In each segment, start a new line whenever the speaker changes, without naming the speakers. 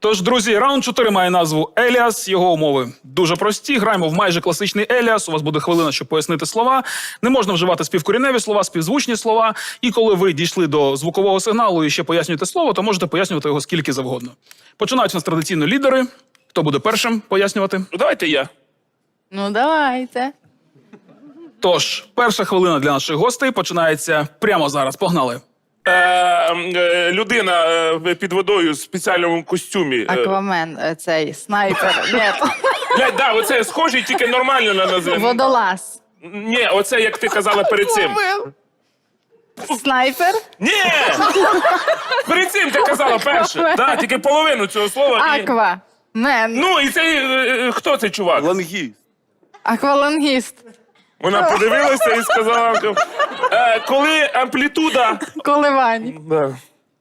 Тож, друзі, раунд 4 має назву «Еліас». Його умови дуже прості. Граємо в майже класичний «Еліас». У вас буде хвилина, щоб пояснити слова. Не можна вживати співкоріневі слова, співзвучні слова. І коли ви дійшли до звукового сигналу і ще пояснюєте слово, то можете пояснювати його скільки завгодно. Починають у нас традиційно лідери. Хто буде першим пояснювати?
Давайте я.
Ну, давайте.
Тож, перша хвилина для наших гостей починається прямо зараз. Погнали.
Людина під водою в спеціальному костюмі.
Аквамен, цей, снайпер. Ні.
Блядь, да, оце схожий, тільки нормально на назву.
Водолаз.
Ні, оце як ти казала перед цим.
Снайпер.
Ні! Перед цим ти казала перше. Да, тільки половину цього слова.
Аква. Мен.
Ну, і цей, хто цей чувак?
Лангіст.
Аквалангіст.
Вона подивилася і сказала, коли амплітуда...
Коливань.
Да.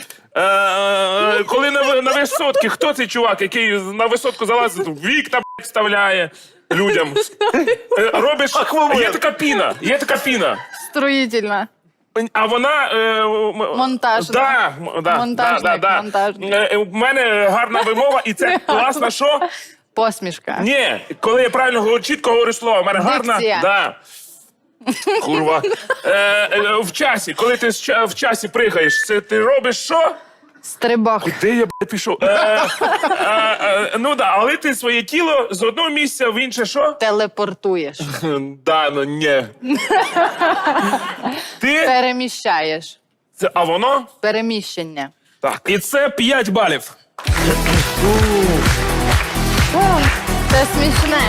Коли на висотці, хто цей чувак, який на висотку залазить, вікна вставляє людям? Робиш... Є така піна.
Строїтельна.
А вона...
Монтажна. Монтажник.
У мене гарна вимова, і це класно, що?
Посмішка.
Ні, коли я правильно говорю, чітко говорю слово, у мене гарна...
Дикція.
Да. Курва. В часі, коли ти в часі пригаєш, це ти робиш що?
Стрибок.
Де я, пішов? Ну да, але ти своє тіло з одного місця в інше що?
Телепортуєш.
Да, ну ні. Ти?
Переміщаєш.
А воно?
Переміщення.
Так.
І це 5 балів.
О, це смішне.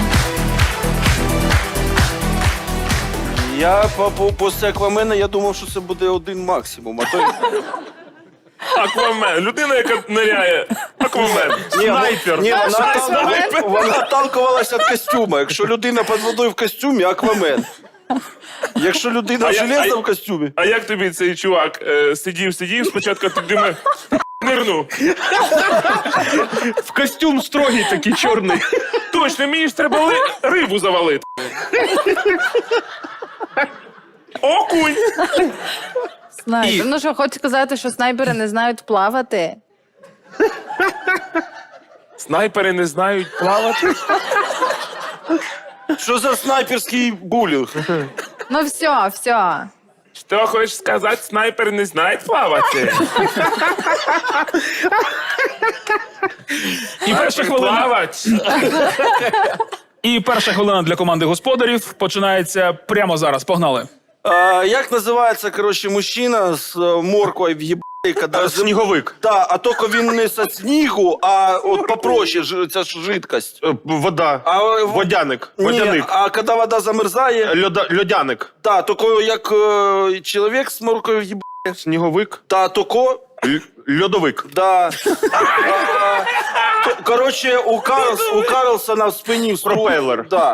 Я після Аквамена я думав, що це буде один максимум. А то...
Аквамен. Людина, яка ниряє. Аквамен. Снайпер.
Ні, вона отталкувалася від костюма. Якщо людина під водою в костюмі, Аквамен. Якщо людина железна в костюмі.
А як тобі цей чувак сидів, спочатку ти думаєш, нирну.
В костюм строгий такий чорний.
Точно, мені ж треба рибу завалити. Окунь!
Снайпер. Ну що, хочу сказати, що снайпери не знають плавати.
Снайпери не знають плавати?
Що за снайперський булінг?
Ну все.
Що хочеш сказати, снайпери не знають плавати?
І перша хвилина.
Плавать?
І перша хвилина для команди господарів починається прямо зараз. Погнали.
Як називається, коротше, мужчина з морквою в єбалі, коли...
Сніговик.
Да, а тільки він не со снігу, а от попроще, ця ж жидкость.
Вода. Водяник. Водяник.
Ні, а коли вода замерзає...
Льодяник.
Да, тільки як чоловік з морквою в єбалі.
Сніговик.
Да, тільки...
Льодовик.
Да. Коротше, у Карлсона в спині
Пропелер.
Да.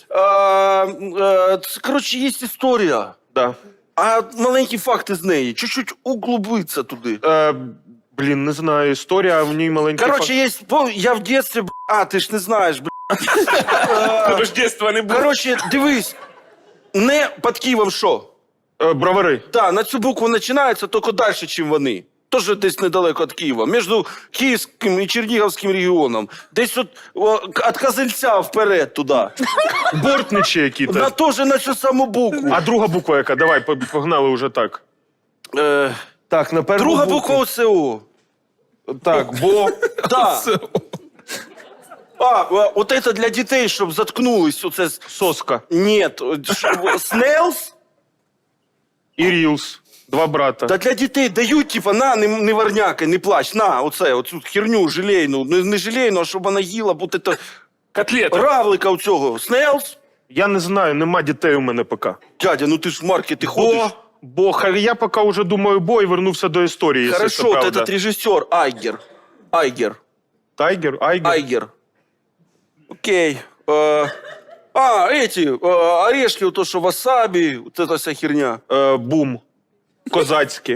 Коротше, є історія.
Да.
А маленькі факти з неї. Чуть-чуть углубиться туди.
Блін, не знаю. Історія, в ній маленький
Коротше, є... Я в дитинстві... ти ж не знаєш,
Тебе ж дєства не було.
Коротше, дивись. Не під Києвом що?
Бровари.
Да, на цю букву починається тільки далі, ніж вони. Тоже десь недалеко від Києва. Між Київським і Чернігівським регіоном. Десь от від Козельця вперед туди.
Бортничі які-то.
Теж на цю саму букву.
А друга буква яка? Давай, погнали уже так. Так, на першу
Друга буква ОСО.
Так, бо...
Да. От це для дітей, щоб заткнулись. Оце...
Соска.
Ні, Снелс.
І Рілс. Два брата.
Та для дітей дають, типа, на, не варняки, не плач, на, оцю херню желейну. Не желейну, а щоб вона їла, будь це...
Котлета.
Равлика у цього. Снелс.
Я не знаю, нема дітей у мене поки.
Дядя, ну ти ж в маркети ходиш.
Я поки вже думаю, і вернувся до історії.
Хорошо, вот этот режиссер Айгер.
Тайгер?
Айгер. Окей. Орешки, то, що васабі, вот эта вся херня.
Бум. Козацькі.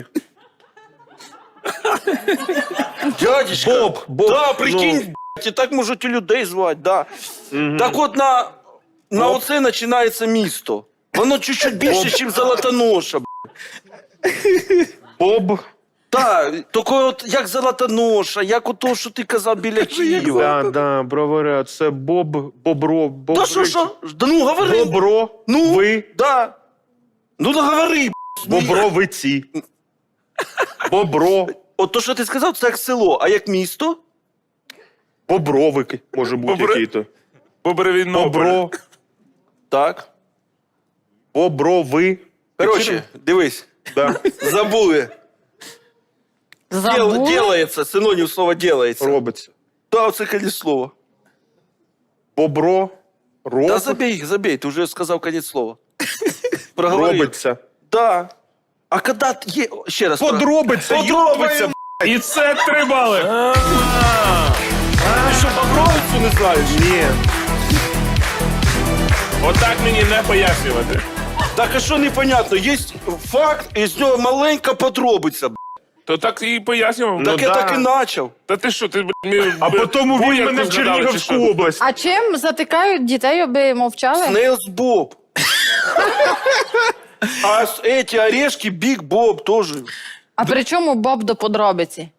Дядечка.
Боб.
Да, прикинь, блядь, і так можуть і людей звати, да. Так от на оце починається місто. Воно чуть-чуть більше, ніж Золотоноша.
Боб.
Так, тільки от як Золотоноша, як ото, що ти казав біля Києва.
Да, бровари, це бобро.
Да що? Да ну говори.
Бобро,
Ну,
ви,
да. Ну да говори,
бобровиці. Бобро,
От то, що ти сказав, це як село, а як місто?
бобровики, може бути який-то. Бобро,
Так.
боброви.
Короче, дивись,
Да.
забули.
Забули?
Делається, синонім слова делається.
Робиться.
Да, оце кінець слова.
Бобро,
Да забей, ти вже сказав кінець слова. Проговорив.
робиться.
Да. А коли є... Ще раз.
Подробиться,
Подробиться,
І це 3 бали.
Ти що, Бобровицю не знаєш?
Ні.
Отак мені не пояснювати.
Так а що непонятно? Є факт, і з нього маленька подробиця.
То так і пояснював.
Так я
да.
так і почав.
Та ти що, ти, мені...
А потім він
Боярку
мене в
згадав, чи
Чернігівську
що?
область.
А чим затикають дітей, аби мовчали?
Снейлс Боб. А эти орешки Биг Боб тоже.
А при чому Боб до подробиці?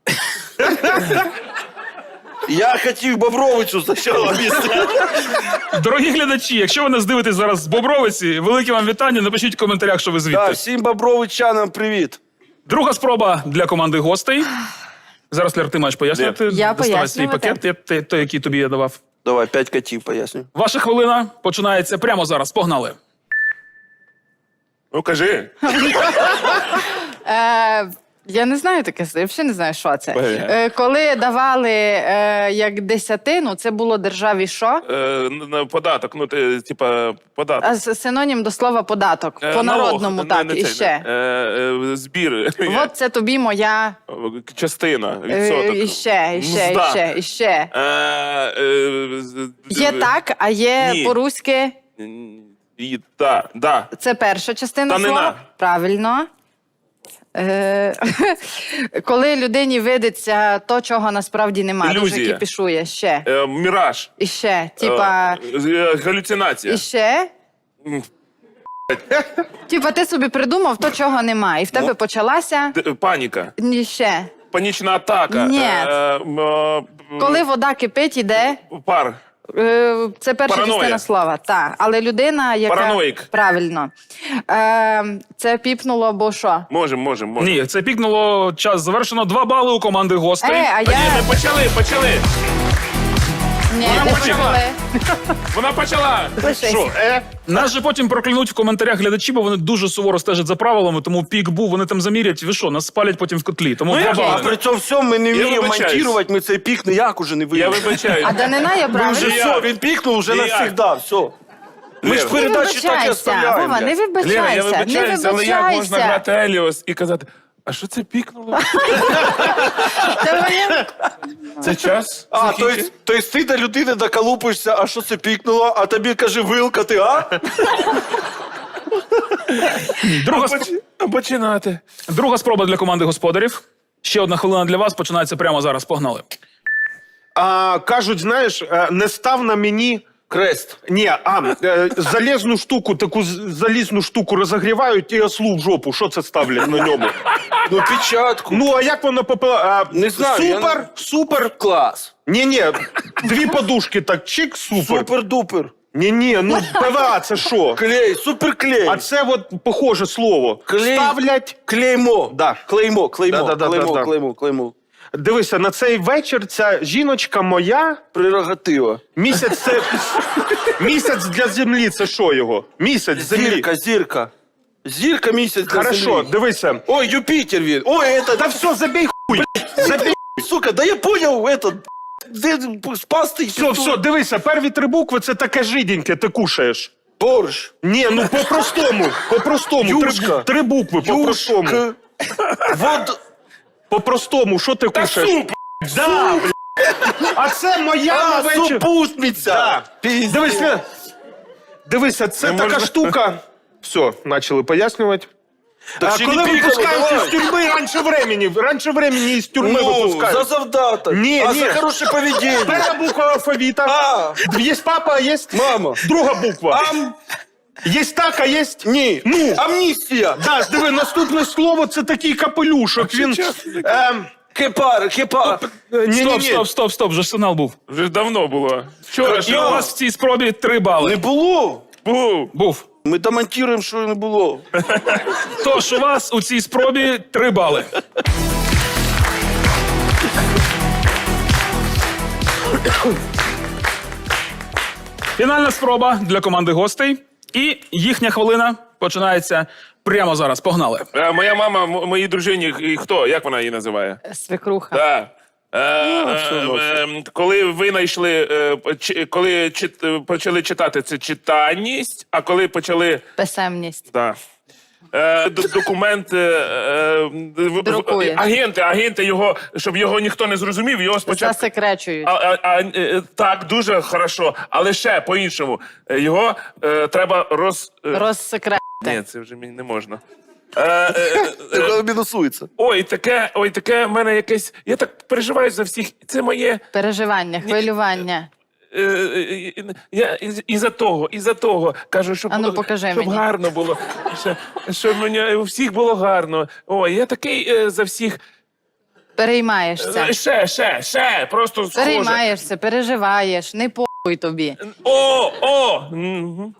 Я хотів Бобровицю спочатку об'яснити.
Дорогі глядачі, якщо ви нас дивитесь зараз з Бобровиці, велике вам вітання. Напишіть в коментарях, що ви звідти.
Так, всім Бобровичанам привіт.
Друга спроба для команди гостей. Зараз, Лер, ти маєш пояснювати.
Я
Доставай свій
пояснювати.
пакет, той, який тобі я давав.
Давай, 5 котів поясню.
Ваша хвилина починається прямо зараз. Погнали.
Ну, кажи.
Я не знаю таке, я взагалі не знаю, що це.
Бля.
Коли давали як десятину, це було державі що?
Податок, ну, ти, типа, податок.
А синонім до слова податок. По народному так, і ще.
Збір.
От це тобі моя
Частина, відсоток.
і ще. Є так, а є
Ні.
по-руськи.
Да.
Це перша частина
Танина.
слова. Правильно. Коли людині видиться то, чого насправді немає. Дуже
Ілюзія.
кіпішує. Ще.
Міраж.
І ще. Типа.
Галюцинація.
І ще. Типа ти собі придумав то, чого немає. І в тебе почалася.
Паніка.
І ще.
Панічна атака.
Ні. Коли вода кипить, іде.
Пар.
Це перша
Параноя.
частина слова. Так. Але людина, яка.
Параноїк.
Правильно. Це піпнуло, бо що?
Можемо.
Ні, це пікнуло, час завершено. 2 бали у команди гостей.
А
Та ні,
я.
ми почали.
Ні,
Вона
не
почала.
почали.
Вона почала.
Лишись.
Що,
Нас же потім проклянуть в коментарях глядачі, бо вони дуже суворо стежать за правилами, тому пік був, вони там замірять. Ви що, нас спалять потім в котлі. Тому
Ну,
2
я
бали.
А при цьому всьому ми не вміємо
вибачаюсь.
монтувати, ми цей пік ніяк уже не
Я
виймемо.
вибачаю.
А данина я
Ми вже
правильно.
все, він пікнув вже
Ніяк.
навсегда, все. Ми ж
Лера.
Не
передачі так і
вибачайся,
оставляємо.
Вова, не
блядь.
Лера, я
вибачайся, не
вибачаюся, але як можна
вибачайся.
грати Еліос і казати, а що це пікнуло?
Це моє-
Це час?
А,
закінчив?
то есть ти до людини доколупишся, а що це пікнуло, а тобі каже вилка ти, а?
Починати.
Друга спроба для команди господарів. Ще 1 хвилина для вас. Починається прямо зараз. Погнали.
кажуть, знаєш, не став на мені.
Крест.
Ні, залізну штуку, таку залізну штуку розігрівають і ослу в жопу. Що це ставлять на ньому?
Ну, печатку.
Ну, а як воно попала?
Не знаю,
Супер, супер.
Клас.
Ні, 2 подушки так, чик, супер.
Супер-дупер.
Ні, ну ПВА це що?
Клей, суперклей.
А це от похоже слово.
Клей.
Ставлять.
Клеймо.
Да.
Клеймо.
Да.
Клеймо.
Дивися, на цей вечір ця жіночка моя,
Прерогатива.
місяць це... Місяць для землі, це що його? Місяць землі.
Зірка. Зірка місяць для
Хорошо,
землі.
дивися.
Ой, Юпітер він. Ой, это...
Та все, забей хуй. Забей.
Сука, да я понял, этот... Де спасти?
Все, дивися, перві 3 букви це таке жиденьке, ти кушаєш.
Борщ.
Ні, ну по-простому.
Юшка.
3 букви, по-простому.
Юшка. Вот...
По-простому, що ти кушаєш?
суп,
Да, бля. А це моя
А,
на вечір.
супутниця.
Да.
Пиздец.
Дивися, це
Не
така
можна.
штука. Все, почали пояснювати.
Так
А
ще
коли
не пікали,
випускають
давай.
із тюрми раніше времени із тюрми
Ну, за
випускають.
завдаток.
Ні,
а
ні.
за хороше поведіння.
Перша буква алфавіта.
А.
Є папа, а є
Мама.
друга буква.
Ам.
Єсть так, а єсть?
Ні.
Ну.
Амністія.
Даш, диви, наступне слово це такий капелюшок. Він...
Кепар.
Стоп, вже ж сигнал був.
Вже давно було. Вчора
І у вас в цій спробі 3 бали.
Не було.
Був.
Ми демонтуємо, що не було.
Тож у вас у цій спробі 3 бали. Фінальна спроба для команди гостей. І їхня хвилина починається прямо зараз. Погнали.
Моя мама, моїй дружині, і хто? Як вона її називає?
Свекруха.
Так. Коли винайшли, коли почали читати, це читанність, а коли почали...
Писемність.
Так. Документ
Друкує.
агенти його, щоб його ніхто не зрозумів, його спочатку.
Засекречують.
Так, дуже хорошо, але ще по-іншому. Його треба
Розсекретити.
Ні, це вже мені не можна.
Це коли мінусується.
Ой, таке в мене якесь. Я так переживаю за всіх. Це моє.
Переживання, хвилювання.
Я із-за того кажу, щоб,
Ану, покажи
щоб
мені.
гарно було. Щоб мені у всіх було гарно. Ой, я такий за всіх.
Переймаєшся.
Ще, просто схоже.
Переймаєшся, переживаєш, не похуй тобі.
О! Мгм.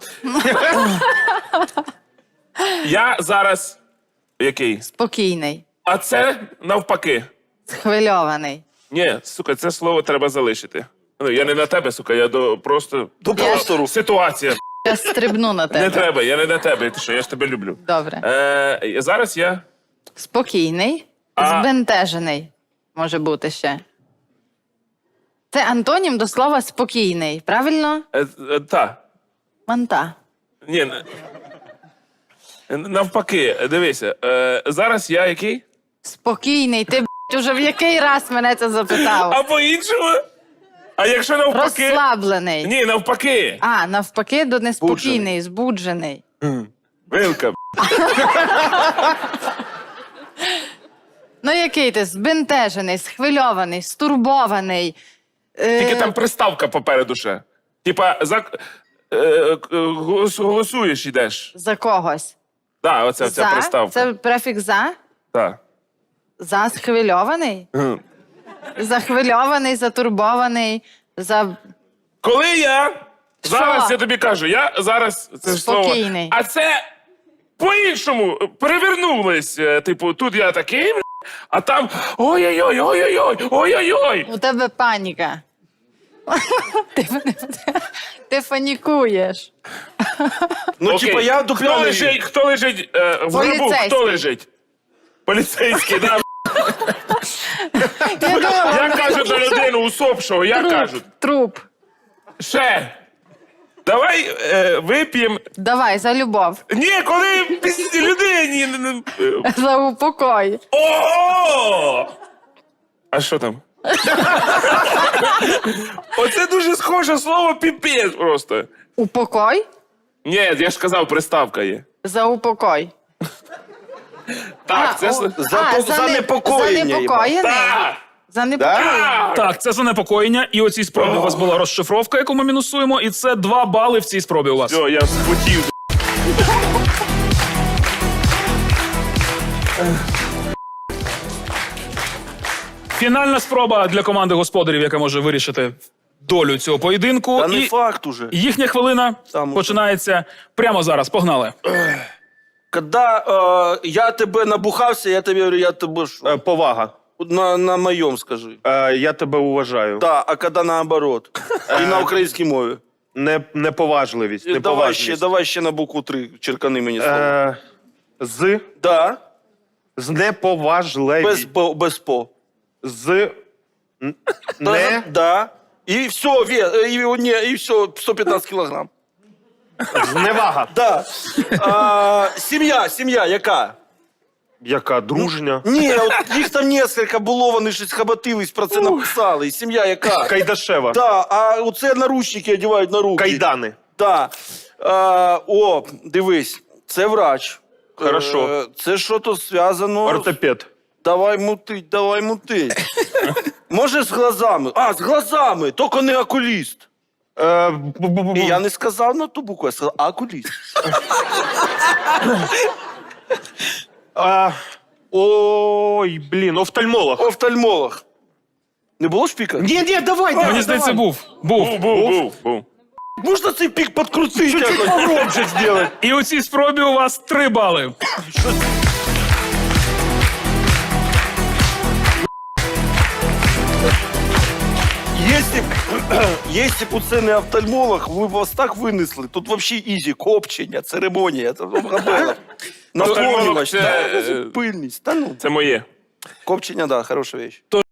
Я зараз який?
Спокійний,
А це навпаки.
схвильований.
Ні, сука, це слово треба залишити. Ну, я не на тебе, сука, я просто...
До простору.
Ситуація.
Я стрибну на
Не
тебе.
треба, я не на тебе. Ти що, я ж тебе люблю.
Добре.
Зараз я...
Спокійний, збентежений. Може бути ще. Це антонім до слова спокійний, правильно?
Та.
Манта.
Ні. Навпаки, дивися. Зараз я який?
Спокійний. Ти, уже в який раз мене це запитав?
А по-іншому? А якщо навпаки?
Розслаблений.
Ні, навпаки.
А, навпаки, до неспокійний, збуджений.
Вилка.
Ну, який ти? Збентежений, схвильований, стурбований.
Тільки там приставка попереду ще. Типа, голосуєш, йдеш.
За когось.
Так, оця
За?
приставка.
Це префікс за?
Так.
За схвильований? Захвильований, затурбований, за...
Коли я зараз
Що?
я тобі кажу, я зараз це
Спокійний.
слово. А це по-іншому перевернулось. Типу, тут я такий, а там ой-ой-ой.
У тебе паніка. Ти панікуєш.
Ну,
Окей.
типа, я дупляний.
Хто лежить в гробу?
Поліцейський.
Хто лежить? Поліцейський, да. Я кажу до людини усопшого, я кажу.
Труп.
Ще. Давай вип'ємо.
Давай, за любов.
Ні, коли людині.
За упокой.
Ого! А що там? Оце дуже схоже слово піпець просто.
Упокой?
Ні, я ж сказав, приставка є.
За упокой.
Так, це...
занепокоєння,
Занепокоєний?
Так!
Занепокоєний.
Так, це занепокоєння. І у цій спробі у вас була розшифровка, яку ми мінусуємо. І це 2 бали в цій спробі у вас.
Все, я спотів.
Фінальна спроба для команди господарів, яка може вирішити долю цього поєдинку.
Та не
І
факт уже.
їхня хвилина
Там уже.
починається прямо зараз. Погнали.
Когда я тебе набухався, я тобі говорю, я тебе що?
Повага.
На моєму скажи.
Я тебе уважаю.
Так, а коли наоборот? І на українській мові.
Неповажливість.
Давай ще на букву 3 черкани мені слово.
З
Да,
неповажливість.
без по.
З не
Да. І все, і все, 115 кілограм.
зневага.
Да. Сім'я, яка?
Яка дружня.
Ні, от їх там несколько було, вони щось хабатились, про це написали. І сім'я яка?
Кайдашева.
Да, а оце наручники одягають на руки.
Кайдани.
Да. Дивись, це врач.
Хорошо.
Це що-то зв'язано.
Ортопед.
Давай мутить. Може з глазами. З глазами, тільки не окуліст. І я не сказав на ту букву, я сказав окуліст.
Ой, блін, офтальмолог.
Офтальмолог. Не було шпіка?
Ні, давай.
Мені здається, був.
Був.
Можна цей пік підкрутити?
Чуть-чуть
якось?
погромче зробити.
І у цій спробі у вас 3 бали.
Якщо б це не офтальмолог, ви б вас так винесли. Тут взагалі ізі, копчення, церемонія.
Офтальмолог
Наповнювач,
це,
пильність. Та ну,
Це моє.
копчення, да, хороша річ.